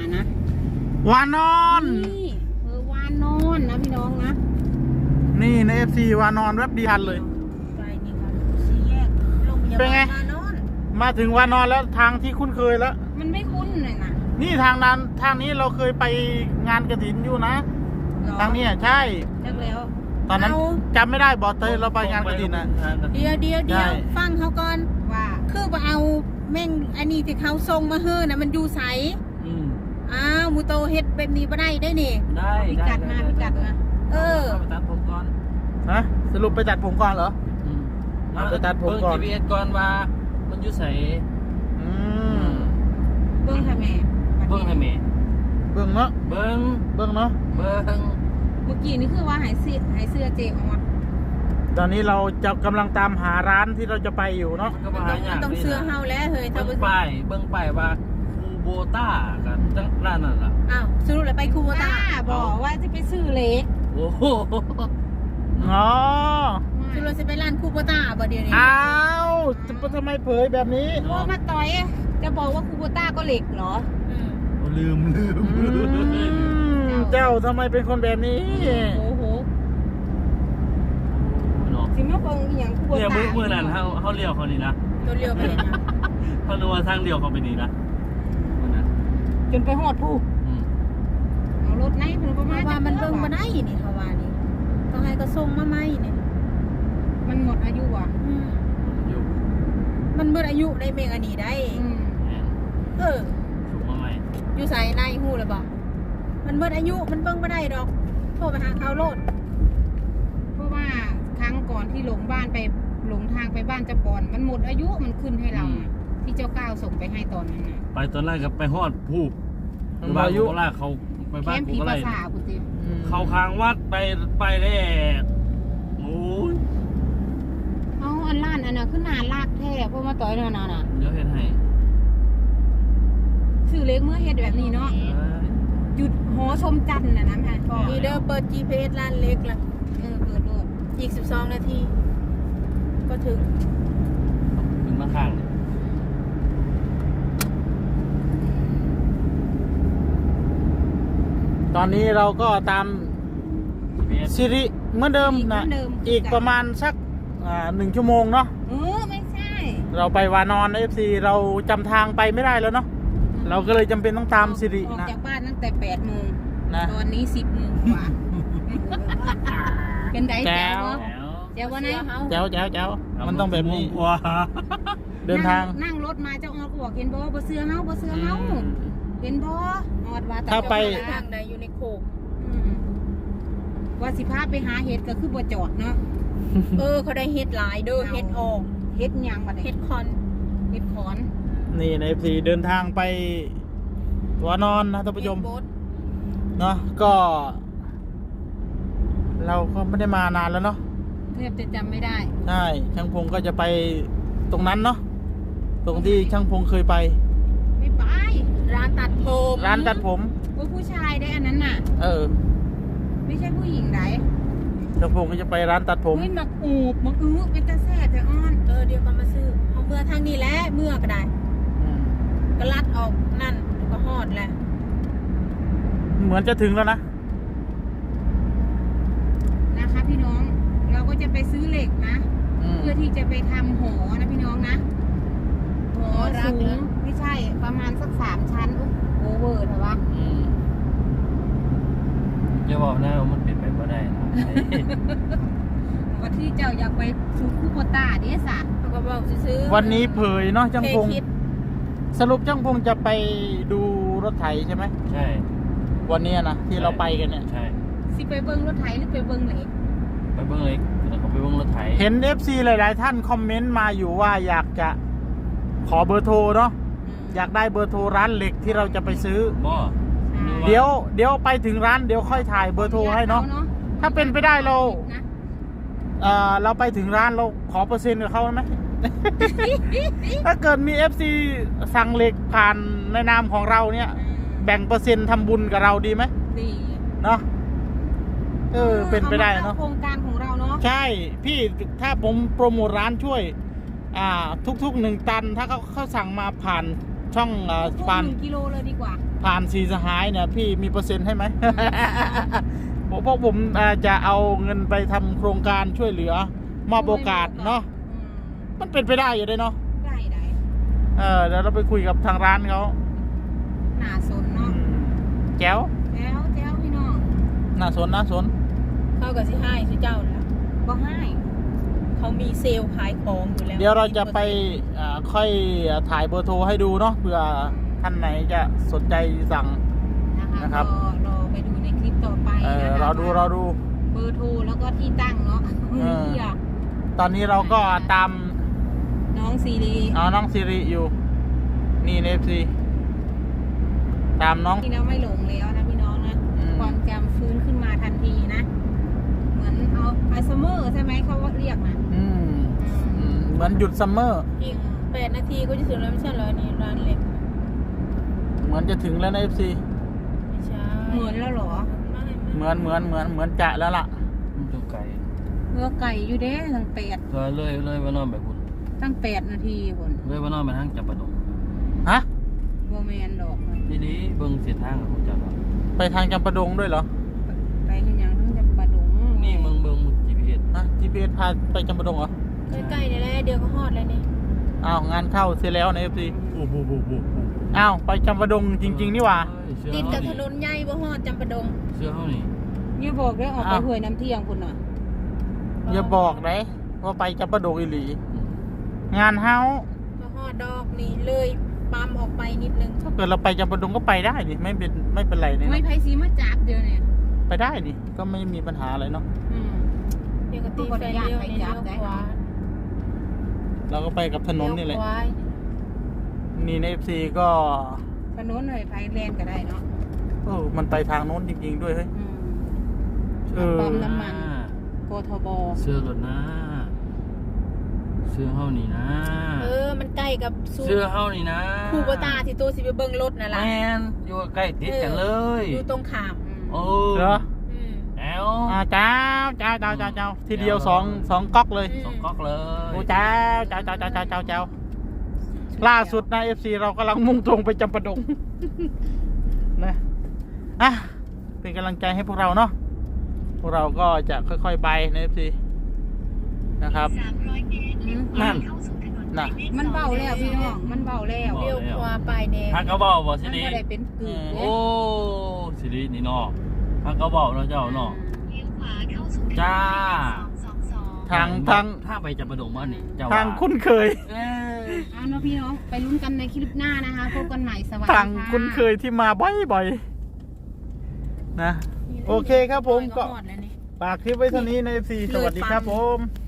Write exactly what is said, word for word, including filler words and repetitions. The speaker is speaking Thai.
นะวานอนนี่เออวานอนนะพี่น้องนะนี่ใน เอฟ ซี วานอนแวบเดียวเลยใจนี่ครับสี่แยกโรงพยาเป็นไงบาลวานอนมาถึงวานอนแล้วทางที่คุ้นเคยแล้วมันไม่คุ้นเลยนะนี่ทางนั้นทางนี้เราเคยไปงานกฐินอยู่นะหรอทางนี้ใช่เลิกแล้วตอนนั้นเอาจำไม่ได้บอกเตยเราไปงานกฐินนะเดียวเดียวเดีใช่ยวฟังเขาก่อนว่าคือว่าเอาแม่งอันนี้ที่เขาส่งมาเฮ้อนะมันอยู่ใสอืมอ้าวมูโตเฮ็ดแบบนี้บ่ได้ได้นี่ได้พิกัดมาพิกัดมาเออเข้าไปตัดผมก่อนฮะสรุปไปตัดผมก่อนเหรออืมเอาไปตัดผมก่อนเบิ่ง จี พี เอส ก่อนว่ามันอยู่ใส่อืมเบิ้งค่ะแม่เบิ่งให้แม่เบิ่งเนาะเบิ่งเบิ่งเนาะเบิ่งเมื่อกี้นี่คือว่าหายเสื้อหายเสื้อเจออกมาตอนนี้เราจะกำลังตามหาร้านที่เราจะไปอยู่เนาะมันก็มันมาต้องหามัยาน กต้องนี่เสื้อนะเฮาแล้วเฮ้ยถ้าเบิ่งบ่ป้ายเบิ่งป้ายว่าคูโบต้ากับจังร้านนั่นล่ะอ้าวสรุปแล้วไปคูโบต้าป้าบอกว่าจะไปซื้อเล็กโอ้โหอ๋อสรุปแล้วสิไปร้านคูโบต้าบ่เดี๋ยวนี้อ้าวจะทำไมเผยแบบนี้โอ้มาต่อยจะบอกว่าคูโบต้าก็เหล็กเหรออืมลืมลืมอืมเจ้าทำไมเป็นคนแบบนี้โอ้โหเนาะสิมาเบิ่งอหย่างคูโบเนี่ยต้ามื้อมื้อนั้นเฮาเฮาเลี้ยวเขานี่นะตัวเลี้ยวไปเห็นยังเฮารู้ว่าทางเลี้ยวเขาไปนี่นะมื้อนั้นจนไปหอดผู้อืมเอารถไหนเพิ่นประเพมาณราะว่ามันเบิ่งบ่จักได้นี่เขาว่านี่ต้องให้ก็ส่งมาใหม่นี่มันหมดอายุอ่ะอืมอยู่มันเบิดอายุได้เมงอันนี้ได้อืมแม่นเออถูกมาใหม่อยู่ใส่ในหูเลยบอกมันเบิดอายุมันเบิ่งไม่ได้ดอกโทรไปหาเขาโลดเพราะว่าครั้งก่อนที่หลงบ้านไปหลงทางไปบ้านเจ้าปอนมันหมดอายุมันขึ้นให้เราอะที่เจ้าก้าวส่งไปให้ตอนนั้นน่ะไปตอนแรกก็ไปฮอดผู้มันบ้านอายุกูก็ลากเขาไปแคบ้านมป์กูผีก็ภาไล่ษาคุณติอืมเขาค้างวัดไปไปได้โอ้ยเอาอันล้านอันน่ะขึ้นนานลากแท้เพราะมาต่อยนั่นน่ะน่ะเดี๋ยวเฮ็ดให้ชื่อเล็กเมื่อเฮ็ดแบบนี้เนาะเอ้ยหยุดหอชมจันทร์น่ะนะแม่พ่อนี่เด้อเปิด จี พี เอส ร้านเล็กละเออเปิดโลดอีกสิบสองนาที ก็ถึงขึ้นมาข้างเนี่ยตอนนี้เราก็ตามจี พี เอสสิริเหมือนเดิมนะอีกประมาณสักอ่าหนึ่งชั่วโมงเนาะเออไม่ใช่เราไปวานอนเอฟซีเราจำทางไปไม่ได้แล้วเนาะเราก็เลยจำเป็นต้องตามสิริออกนะจากบ้านตั้งแต่แปดโมงนะตอนนี้สิบโมงกว่า เป็นไดแจ๋แจ๋ววแล้วเดี๋ยววันไหนแจ๋วแจ๋วแจ๋วมันต้องแบบนี้กว่าเดินทางนั่งรถมาเจ้าออดก็บอกเห็นบ่บ่เสื้อเฮาบ่เสื้อเฮาอืมเห็นบ่ออดว่าแต่ถ้าไปเจ้ทางใดอยู่ในโคกอืมว่าสิพาไปหาเห็ดก็คือบ่จอดเนาะเออเขาได้เฮ็ดหลายเด้อเฮ็ดออกเห็ดหยังบัดเฮ็นี้ดคอนเห็ดขอนนี่ในเอฟซีเดินทางไปวานอนนะท่านผู้ชมเฮ็ดโบ๊ทเนาะก็ เราก็ไม่ได้มานานแล้วเนาะแทบจะจำไม่ได้ใช่ช่างพงก็จะไปตรงนั้นเนาะตรงที่ช่างพงเคยไปไม่ไปร้านตัดผมร้านตัดผมว่าผู้ชายได้อันนั้นน่ะเออไม่ใช่ผู้หญิงไหนช่างพงก็จะไปร้านตัดผมเฮ้ยมักอูบมักอื้อเป็นตาแซ่บแต่อ้อนเออเดี๋ยวก็มาซื้อเอาเมื่อทางนี้แหละเมื่อก็ได้อืมก็ลัดออกนั่นแล้วก็ฮอดแหละเหมือนจะถึงแล้วนะนะคะพี่น้อง เราก็จะไปซื้อเหล็กนะอืมเพื่อที่จะไปทำหอนะพี่น้องนะหอสูงไม่ใช่ประมาณสักสามชั้นอุ๊ยโอเวอร์เถอะวะอืมจะบอกนะว่ามันเป็นไปไม่ได้นะวันที่เจ้าอยากไปซูคูโบต้าเดสะเขาก็บอกซื้อๆวันนี้เผยเนาะช่างเคพงคิดสรุปช่างพงจะไปดูรถไถใช่ไหมใช่วันนี้นะที่เราไปกันเนี่ยใช่สิไปเบิ้งรถไถหรือไปเบิ้งเหล็กไปเบิ้งเล็กแล้วก็ไปเบิ้งรถไถเห็น เอฟ ซี หลาย ๆ ท่านคอมเมนต์มาอยู่ว่าอยากจะขอเบอร์โทรเนาะอยากได้เบอร์โทรร้านเหล็กที่เราจะไปซื้อบ่เดี๋ยวเดี๋ยวไปถึงร้านเดี๋ยวค่อยถ่ายเบอร์โทรให้เนาะถ้าเป็นไปได้เรานะเอ่อเราไปถึงร้านเราขอเปอร์เซ็นต์กับเขาไหม ถ้าเกิดมี เอฟ ซี สั่งเหล็กผ่านในนามของเราเนี่ย แบ่งเปอร์เซ็นต์ทำบุญกับเราดีไหมดีเนาะเออเป็นไปได้เนาะโครงการของเราเนาะใช่พี่ถ้าผมโปรโมทร้านช่วย อ่า ทุกๆหนึ่งตัน ถ้าเขาเขาสั่งมาผ่านช่องอ่าทุกผ่านหนึ่งกิโลเลยดีกว่าผ่านสีสหายเนี่ยพี่มีเปอร์เซ็นต์ให้ไหม ผมเพราะผมอ่าจะเอาเงินไปทำโครงการช่วยเหลือมอบโอกาสเนาะอืมมันเป็นไปได้อยู่เลยเนาะได้ได้เออเดี๋ยวเราไปคุยกับทางร้านเขาหน้าสนอืเนาะมแจ๋วแจ้วแจ้วพี่น้องน่าสนน่าสนเข้ากับสิให้สิเจ้าแล้วบ่ให้เขามีเซลล์ขายของอยู่แล้วเดี๋ยวเราจะไปอ่าค่อยถ่ายเบอร์โทรให้ดูเนาะเผื่อท่านไหนจะสนใจสั่งนะคะนะครับรอรอไปดูในคลิปต่อไปเออนะคะเราดูเราดูเบอร์โทรแล้วก็ที่ตั้งเนาะเออเหี้ยตอนนี้เราก็ตามน้องซีรีเอาน้องซิริอยู่ นี่เอฟซีตามน้องพี่น้องไม่หลงแล้วนะพี่น้องนะอืมความจำฟื้นขึ้นมาทันทีนะ เหมือนเอาไอซัมเมอร์ใช่ไหมเขาเรียกนะอืมอืมเหมือนหยุดซัมเมอร์อีกแปดนาทีก็จะถึงแล้วไม่ใช่เหรอนี่ร้านเล็กเหมือนจะถึงแล้วนะเอฟซีไม่ใช่เหมือนแล้วเหรอไม่ไม่เหมือนเหมือนเหมือนเหมือนจะแล้วล่ะมันอยู่ไกลเมื่อไก่อยู่เด้ตั้งแปดเลยเลยเลยว่านอนไปพุ่นตั้งแปดนาทีคนเลยว่านอนไปทางจับประดงฮะโบแมนดอกเลยทีนี้เบิ่งเสียทางกับผมจับว่าไปทางจำปาดงด้วยเหรอไปกันยังทั้งจะประดงนี่เบิ่งเบิ่ง จี พี เอสฮะ จี พี เอส พาไปจำปาดงเหรอใกล้ๆนี่แหละเดี๋ยวก็ฮอดแล้วนี่อ้าวงานเข้าเสร็จแล้วนะเอฟซีโอ้โหโอ้โหอ้าวไปจำปาดงจริง ๆ นี่หว่าเสื้อติดเฮากับถนี่นนใหญ่บ่ฮอดจำปาดงเสื้อเฮานี่นี่บอกได้ออกไปอ้าวห้วยน้ำเที่ยงคุณน่ะอย่าบอกเลยว่าไปจำปาดงอีหลี งานเฮาบ่ฮอดดอกนี่เลยปั๊มออกไปนิดนึงถ้าเกิดเราไปจำปาดงก็ไปได้นี่ไม่เป็นไม่เป็นไรนี่ไม่นะไพซีมาจับเดียวเนี่ยไปได้นี่ก็ไม่มีปัญหาอะไรเนาะอืมเดี๋ยวก็ตีไฟเลี้ยวนี่เลี้ยวขวาเราก็ไปกับถนนนี่แหละเลี้ยวขวานี่ในเอฟซีก็ถนนหน่อยไพแลนก็ได้เนาะเออมันไปทางโน้นจริง ๆ ด้วยเฮ้ยอืมเออปั๊มน้ำมันโกทบเสื้อรถนะเสื้อเฮานี่นะเออมันใกล้กับซูเสื้อเฮานี่นะคูโบตาที่ตัวสิไปเบิ่งรถน่ะแมล่ะนอยู่ใกล้ติดกันเลยอยู่ตรงข้ามโอ้เหรออืมแอลอ่าเจ้าเจ้าเจ้าเจ้าเจ้าทีเดียวสองสองก๊อกเลยอืมสองก๊อกเลยโอ้เจ้าเจ้าเจ้าเจ้าเจ้าเจ้าเจ้าล่าสุดนะเอฟซีเรากำลังมุ่งตรงไปจำปาดง นะอ่ะเป็นกำลังใจให้พวกเราเนาะพวกเราก็จะค่อยๆไปในเอฟซีนะครับอืมนั่นน่ะมันเบาแล้วพี่น้อง มันเบาแล้วเลี้ยวขวาไปแดงฮักกระเบ้าบ่สิมันริก็ได้เป็นกึ่งโอ้สิรินี่เนาะฮักกระเบ้าเนาะเจ้าเนาะจ้าทางทางถ้าไปจับประดงมานี่เจ้าทางคุ้นเคยเอ้ยเอาเนาะพี่น้อง ไปลุ้นกันในคลิปหน้านะคะพบกันใหม่สวัสดีทางค่ะคุ้นเคยที่มาบ่อยๆนะ โอเคครับผมก็ฮอดแล้วนี่ฝากคลิปไว้เท่านี้ในเอฟซีสวัสดีครับผม